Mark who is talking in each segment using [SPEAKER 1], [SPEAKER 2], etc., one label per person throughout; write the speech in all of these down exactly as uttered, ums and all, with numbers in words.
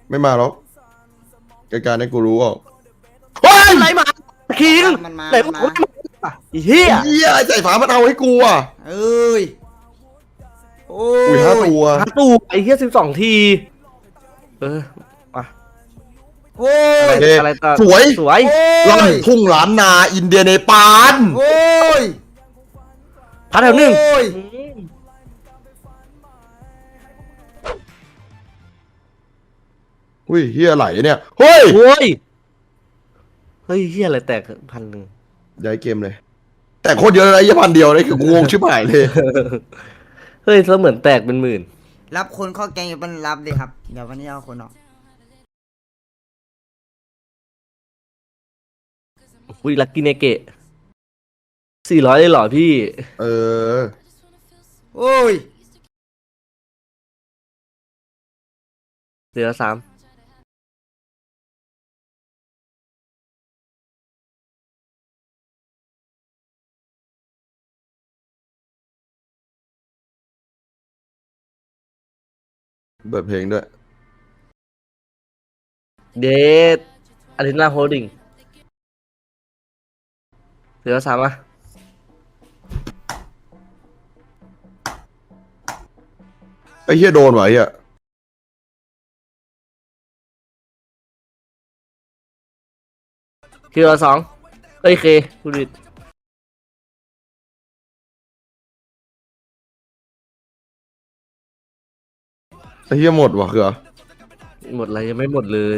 [SPEAKER 1] ไม่มาหรอกรายการนี้กูรู้อ่ะ
[SPEAKER 2] เฮ้ยอะไรมาคิง
[SPEAKER 3] มันมา
[SPEAKER 2] ไหน
[SPEAKER 3] มัน
[SPEAKER 2] กู
[SPEAKER 3] มา
[SPEAKER 2] เฮีย
[SPEAKER 1] เฮียไอ้ใส่ฝามันเอาให้กูอ่ะ
[SPEAKER 3] เอ้ยโอ้
[SPEAKER 1] อุ้ยห้าตัว
[SPEAKER 2] หาตู้ไอ้เฮียสิบสองทีเออมา
[SPEAKER 3] โอ้ย
[SPEAKER 1] เอ๊ะ
[SPEAKER 2] อะไรต่อ
[SPEAKER 1] สวย
[SPEAKER 2] สวย
[SPEAKER 1] ลั่นทุ่งล้านนาอินเดียเนปาล
[SPEAKER 3] โอ้ย
[SPEAKER 2] พัดแถวหนึ่ง
[SPEAKER 3] โอ้ย
[SPEAKER 2] อืม
[SPEAKER 1] อุ้ยเฮียไหลเนี่ยเฮ้ย
[SPEAKER 2] โอ้ยเฮ้ยเฮียอะไรแตกพันหนึ่ง
[SPEAKER 1] ย้ายเกมเลย แต่โคตรเยอะเลยไอ้ยี่พันเดียวเลยคืองงชิบหายเลย
[SPEAKER 2] เฮ้ยแล้วเหมือนแตกเป็นหมื่น
[SPEAKER 3] รับคนเข้าแกงอยู่เป็นรับดิครับเดี๋ยววันนี้เอาคนออก
[SPEAKER 2] อุ้ยลักกี้เนเกะสี่ร้อยเลยเหรอพี่
[SPEAKER 1] เออ
[SPEAKER 3] โอ้ย
[SPEAKER 2] เหลือสาม
[SPEAKER 1] เปิดเพลงด้วย
[SPEAKER 2] เดทอารินาโฮลดิ้งเหลือสามอ่ะ
[SPEAKER 1] ไอ้เฮียโดนว่ะไอ้เฮีย
[SPEAKER 2] คิวละสองเอ้ยเคพูดผิด
[SPEAKER 1] ไอ้เฮียหมดว่ะคือ
[SPEAKER 2] หมดอะไรยังไม่หมดเลย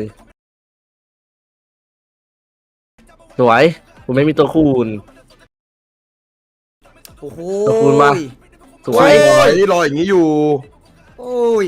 [SPEAKER 2] สวยผมไม่มีตัวคูณ
[SPEAKER 3] โอ้โห
[SPEAKER 2] ขอบคุณมาก สว
[SPEAKER 1] ไอ้
[SPEAKER 2] ย
[SPEAKER 1] รอยนี่รอยอย่างนี้อยู่
[SPEAKER 3] โอ้ย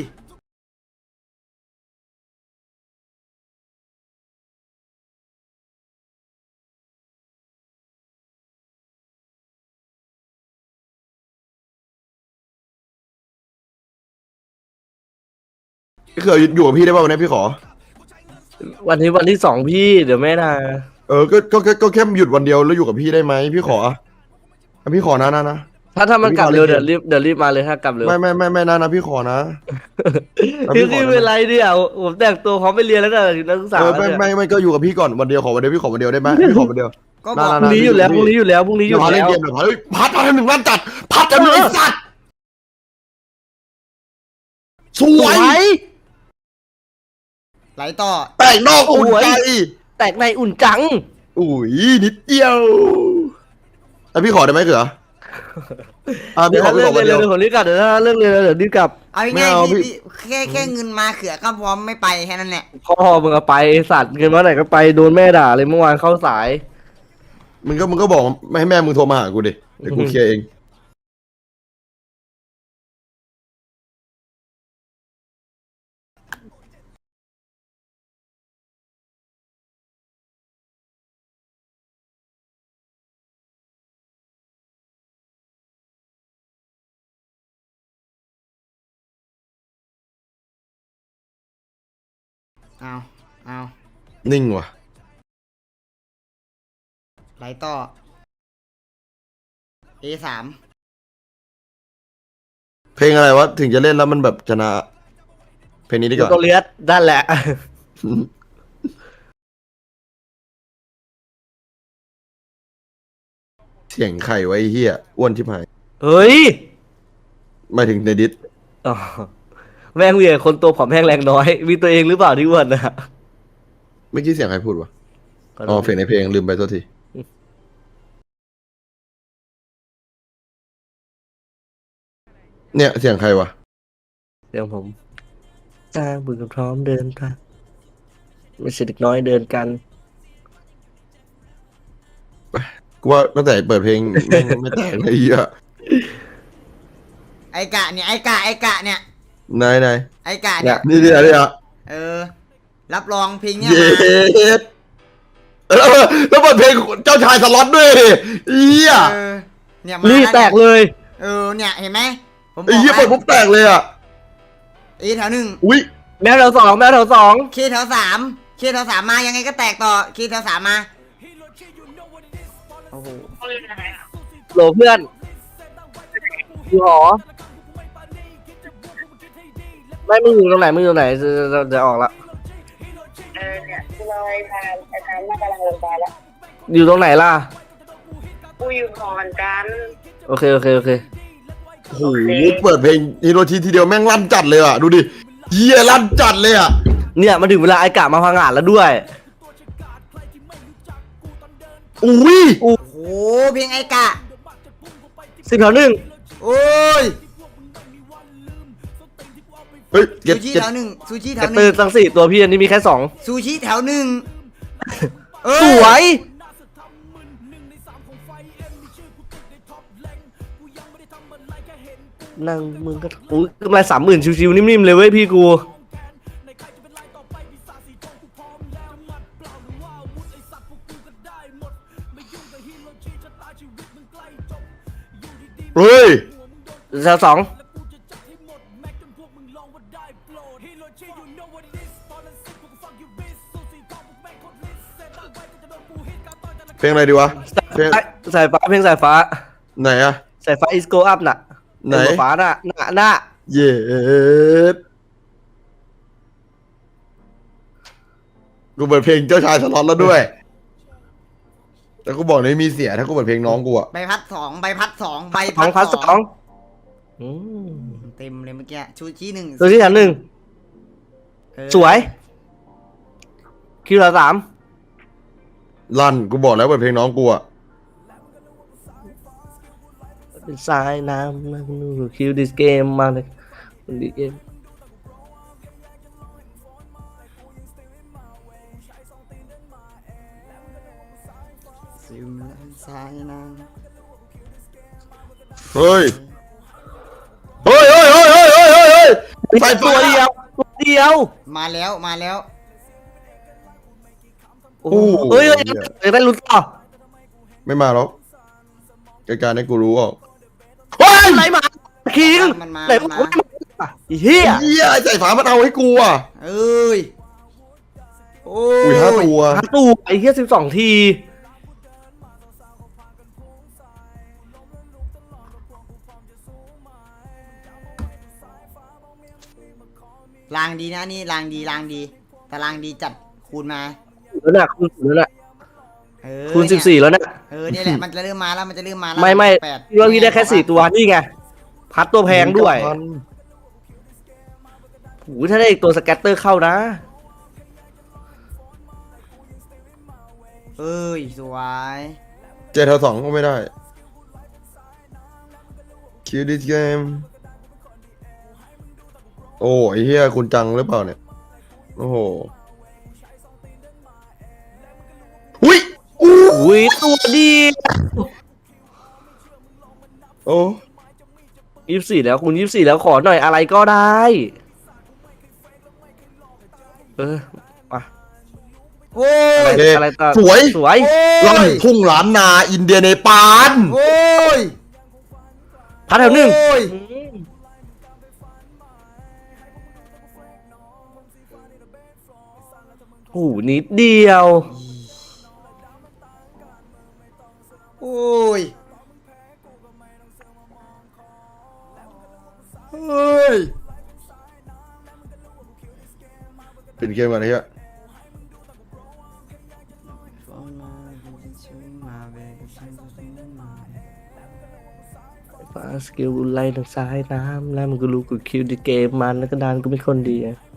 [SPEAKER 1] พี่เคยอยู่กับพี่ได้ป่ะวันนี้พี่ขอ
[SPEAKER 2] วันนี้วันที่สองพี่เดี๋ยวแม่นา
[SPEAKER 1] เออก็ก็ก็ก็แค่หยุดวันเดียวแล้วอยู่กับพี่ได้ไหมพี่ขออ่ะพี่ขอนะนะนะ
[SPEAKER 2] ถ้าถ้ามันกลับเร็ว
[SPEAKER 1] พี่
[SPEAKER 2] เดี๋
[SPEAKER 1] ขอ
[SPEAKER 2] ยวรีบเดี๋ยวรีบมาเลยถ้ากลับเร็ว
[SPEAKER 1] ไม่ไม่ไม่ไม่นะนะพี่ขอนะ
[SPEAKER 2] พี่
[SPEAKER 1] พี่
[SPEAKER 2] พี่
[SPEAKER 1] ขอนะ
[SPEAKER 2] เป็นไรเนี่ยผมแต่งตัวพร้อมไปเรียนแล้วก็นักศึกษา
[SPEAKER 1] เออ
[SPEAKER 2] แล้ว
[SPEAKER 1] ไม่
[SPEAKER 2] เนี่ย
[SPEAKER 1] ไม่ไม่ก็อยู่กับพี่ก่อนวันเดียวขอวันเดียวพี่ขอวันเดียวได้ไหมพี่ขอวันเดียว
[SPEAKER 3] ก็บอก
[SPEAKER 1] น่า
[SPEAKER 2] พรุ่งนี้อยู่แล้วพรุ่งนี้อยู่แล้วพรุ่งนี้อ
[SPEAKER 1] เดี๋ย
[SPEAKER 2] ยู่
[SPEAKER 1] วพาเล่น
[SPEAKER 2] แล้ว
[SPEAKER 1] เกมเดี๋ยวพาเฮ้ยพัดพัดหนึ่งล้านจัดพัดจะหนึ่งไอ้สัตว์ส
[SPEAKER 2] ส
[SPEAKER 1] ว
[SPEAKER 2] วย ย
[SPEAKER 3] ไหลต่อ
[SPEAKER 1] แป้งนอกอุ่น
[SPEAKER 2] สวย
[SPEAKER 1] ใจ
[SPEAKER 2] แตกในอุ่นจัง
[SPEAKER 1] อุ้ยนิดเดียวแล้วพี่ขอได้ไหมเขืออ่ะ
[SPEAKER 2] เดี๋
[SPEAKER 1] พี่
[SPEAKER 2] ยว
[SPEAKER 1] ขอ
[SPEAKER 2] ถ้า
[SPEAKER 1] พี่
[SPEAKER 2] เรื่
[SPEAKER 1] ข
[SPEAKER 2] อ
[SPEAKER 1] อง วัน
[SPEAKER 2] เรียน
[SPEAKER 1] เดียว
[SPEAKER 2] เดี๋ยวผมรีบกลับเดี๋ยวถ้าเรื่องเรียนเดี๋ยวรีบกลับ
[SPEAKER 3] เอา
[SPEAKER 1] ไม่
[SPEAKER 3] ง่าย
[SPEAKER 1] เอา
[SPEAKER 3] ๆพี่
[SPEAKER 1] พี่
[SPEAKER 3] พี่แค่แค่เงินมาเขือก็พร้อมไม่ไปแค่นั้นแหละ
[SPEAKER 2] พ่อมึงเอาไปไอ้สัตว์เงินมาไหนก็ไปโดนแม่ด่าเลยเมื่อวานเข้าสาย
[SPEAKER 1] มึงก็มึงก็บอกไม่ให้แม่มึงโทรมาหากูดิเดี๋ยวกูเคลียร์เอง
[SPEAKER 3] เอาเอา
[SPEAKER 1] นิ่งว่ะ
[SPEAKER 3] ไหลต่อ เอ สาม
[SPEAKER 1] เพลงอะไรวะถึงจะเล่นแล้วมันแบบชนะ เพลงนี้ดีกว่า
[SPEAKER 2] ตัวเลียดด้านแหละ
[SPEAKER 1] เสียงไข่ไว้ไอ้เฮียอ้วนชิบหาย
[SPEAKER 2] เฮ้ย
[SPEAKER 1] ไม่ถึงในดิส
[SPEAKER 2] อ๋อแม่งมีแต่คนตัวผอมแห้งแรงน้อย มีตัวเองหรือเปล่าที่อ้วนนะ
[SPEAKER 1] เมื่อกี้เสียงใครพูดวะอ๋อเพลงในเพลงลืมไปโทษทีเนี่ยเสียงใครวะ
[SPEAKER 2] เดี๋ยวผมจ้างบุญกับพร้อมเดินทางไม่ใช่เด็กน้อยเดินกัน
[SPEAKER 1] กูว่าตั้งแต่เปิดเพลงแม่งไม่แต่งเลยไอ้เฮีย
[SPEAKER 3] ไอกะเนี่ยไอกะไอกะเนี่ย
[SPEAKER 1] นายนาย
[SPEAKER 3] ไอกะเนี่ย
[SPEAKER 1] นี่นี่อะไรอ่ะ
[SPEAKER 3] เออ รับรองเพลงเนี้ย
[SPEAKER 1] เย็
[SPEAKER 3] มา
[SPEAKER 1] ดแล้วแล้วเปิดเพลงเจ้าชายสล็อตด้วยเฮีย
[SPEAKER 3] เออเนี่ยมา
[SPEAKER 2] รี
[SPEAKER 3] ล้ว
[SPEAKER 2] แตกเลย
[SPEAKER 3] เออเนี่ยเห็นไหมผมบ
[SPEAKER 1] ไอ้
[SPEAKER 3] อก
[SPEAKER 1] เฮีย
[SPEAKER 3] แล้
[SPEAKER 1] เปิด
[SPEAKER 3] ว
[SPEAKER 1] ปุ๊บแตกเลยอ่ะ
[SPEAKER 3] เอแถวหนึ่ง
[SPEAKER 1] อุ้ย
[SPEAKER 2] แมวแถวสองแมวแถวสอง
[SPEAKER 3] เคแถวสามเคแถวสามมายังไงก็แตกต่อเคแถวสามมาโอ้โห
[SPEAKER 2] โหลเพื่อนอยู่หอไม่มึงอยู่ตรงไหนมึงอยู่ตรงไหนจะจะจะออกละ
[SPEAKER 4] เลยพานไอ้พานน่ากำลังลงไปแล้ว
[SPEAKER 2] อยู่ตรงไหนล่ะ
[SPEAKER 4] กูอยู่หอเหมือนกัน
[SPEAKER 2] โอเคโอเคโอเค
[SPEAKER 1] โอ้โหเปิดเพลงฮิโรชิทีเดียวแม่งลั่นจัดเลยอ่ะดูดิเฮียลั่นจัดเลยอ่ะ
[SPEAKER 2] เนี่ยมาถึงเวลาไอ้กะมาพังงานแล้วด้วย
[SPEAKER 1] อุ้ย
[SPEAKER 3] โอ้โหเพลงไอ้กะ
[SPEAKER 2] สิบแถวหนึ่ง
[SPEAKER 3] โอ้ย
[SPEAKER 1] เฮ้ยเก็
[SPEAKER 3] ซู
[SPEAKER 1] ต
[SPEAKER 3] ชิ
[SPEAKER 1] เก็ต
[SPEAKER 3] แถวหนึ่งซูชิแถ
[SPEAKER 2] กระ
[SPEAKER 3] วห
[SPEAKER 2] ตื
[SPEAKER 3] นึ่
[SPEAKER 2] อง ตั้งสี่ตัวพี่อันนี้มีแค่สอง
[SPEAKER 3] ซูชิแถวหนึ่งเออ
[SPEAKER 2] สวย นั่งมึงก็อุ้ยกำไรสามหมื่นชิวๆนิ่มๆเลยเว้ยพี่กู
[SPEAKER 1] เฮ้ย
[SPEAKER 2] แถวสอง
[SPEAKER 1] เพลงอะไรดีวะเพลง
[SPEAKER 2] สายฟ้าเพลงสายฟ้า
[SPEAKER 1] ไหนอะ
[SPEAKER 2] สายฟ้า is go up น่ะ
[SPEAKER 1] ไหน
[SPEAKER 2] สายฟ้าน่ะน่ะน่ะ
[SPEAKER 1] เย็ดกูเปิดเพลงเจ้าชายสล็อตแล้วด้วย แต่กูบอกเลยมีเสียถ้ากูเปิดเพลงน้องกูอะ
[SPEAKER 3] ใบพัดสองใบพัดสองใบ
[SPEAKER 2] สองพั
[SPEAKER 3] พั
[SPEAKER 2] น
[SPEAKER 3] ด
[SPEAKER 2] ส
[SPEAKER 3] ส
[SPEAKER 2] อ
[SPEAKER 3] อง ง
[SPEAKER 2] อืม
[SPEAKER 3] เต็มเลยเมื่อกี้ชูชีหนึ่ง
[SPEAKER 2] ตัวที่แถวหนึ่ง
[SPEAKER 3] เออ
[SPEAKER 2] สวย คิวละสาม
[SPEAKER 1] ลั่นกูบอกแล้วเปิดเพลงน้องกูอะ
[SPEAKER 2] เป็นสายน้ำนะนูคิวดิสเกมมาเลยดิเกม
[SPEAKER 3] ซิมและสายน้
[SPEAKER 1] เฮ้ยเฮ้ยเฮ้ยเฮ้ยเฮ้ยเฮ้ยเฮ้ยเฮ้ยใส่
[SPEAKER 2] ตัวเดียวตัวเดียว
[SPEAKER 3] ำมาแล้วมาแล้ว
[SPEAKER 2] โอ้โหเฮ้ยเฮ้ยเฮ้ยได้ลุ้นต่อ
[SPEAKER 1] ไม่มาหรอกรายการให้กูรู้ออกเฮ้ย
[SPEAKER 2] อะไรมาคิง
[SPEAKER 3] มันมา
[SPEAKER 2] ไหน
[SPEAKER 3] มัน
[SPEAKER 2] บอก
[SPEAKER 3] มา
[SPEAKER 2] ว่าไม่มาไอ้เฮีย
[SPEAKER 1] เฮียไอ้ใส่ฝามันเอาให้กูอ่ะ
[SPEAKER 3] เอ้ยโอ้
[SPEAKER 1] อุ้ยห้าตัว
[SPEAKER 2] หาตู้ไอ้เฮียสิบสองที
[SPEAKER 3] ลางดีนะนี่ลางดีลางดีแต่ลางดีจัดคูณมา
[SPEAKER 2] แล้วน่ะคูณสิบแล้วน่ะ
[SPEAKER 3] เออ
[SPEAKER 2] คูณสิบ
[SPEAKER 3] เนี่ย
[SPEAKER 2] สี่แล้วน่ะ
[SPEAKER 3] เออเนี่ยแหละมันจะเริ่มมาแล้วมันจะเริ่มมาแล้ว
[SPEAKER 2] ไม่ไม่
[SPEAKER 3] แปด
[SPEAKER 2] พี่ว่าพี่ได้แค่สี่ตัวนี่ไง พัดตัวแพงด้วยโอ้โหถ้าได้อีกตัวสแกตเตอร์เข้านะ
[SPEAKER 3] เอ้ยสวย
[SPEAKER 1] เจ็ดแถวสองก็ไม่ได้คิวดิสเกมโอ้ไอ้เฮียคุณจังหรือเปล่าเนี่ยโอ้โหอุ้ยอู้
[SPEAKER 2] อุ้ยตัวดี
[SPEAKER 1] โอ้
[SPEAKER 2] ยี่สิบสี่แล้วคูณยี่สิบสี่แล้วขอหน่อยอะไรก็ได้ เออมา
[SPEAKER 3] โอ้ย
[SPEAKER 1] โอเค
[SPEAKER 2] อะไรต่อ
[SPEAKER 1] สวย
[SPEAKER 2] สวย
[SPEAKER 1] ลั่นทุ่งล้านนาอินเดียเนปาล
[SPEAKER 3] โอ้ย
[SPEAKER 2] พัดแถวหนึ่ง
[SPEAKER 3] โอ้ย
[SPEAKER 2] อืมโอ้โหนิดเดียว
[SPEAKER 3] โอ้ยเฮ้ย
[SPEAKER 1] เป็นเกมกันไอ้เฮีย
[SPEAKER 2] ฟาสกิลไล่ทางซ้ายน้ำแล้วมันก็รู้กูคิวดีเกมมันแล้วก็ดานก็เป็นคนดีอะ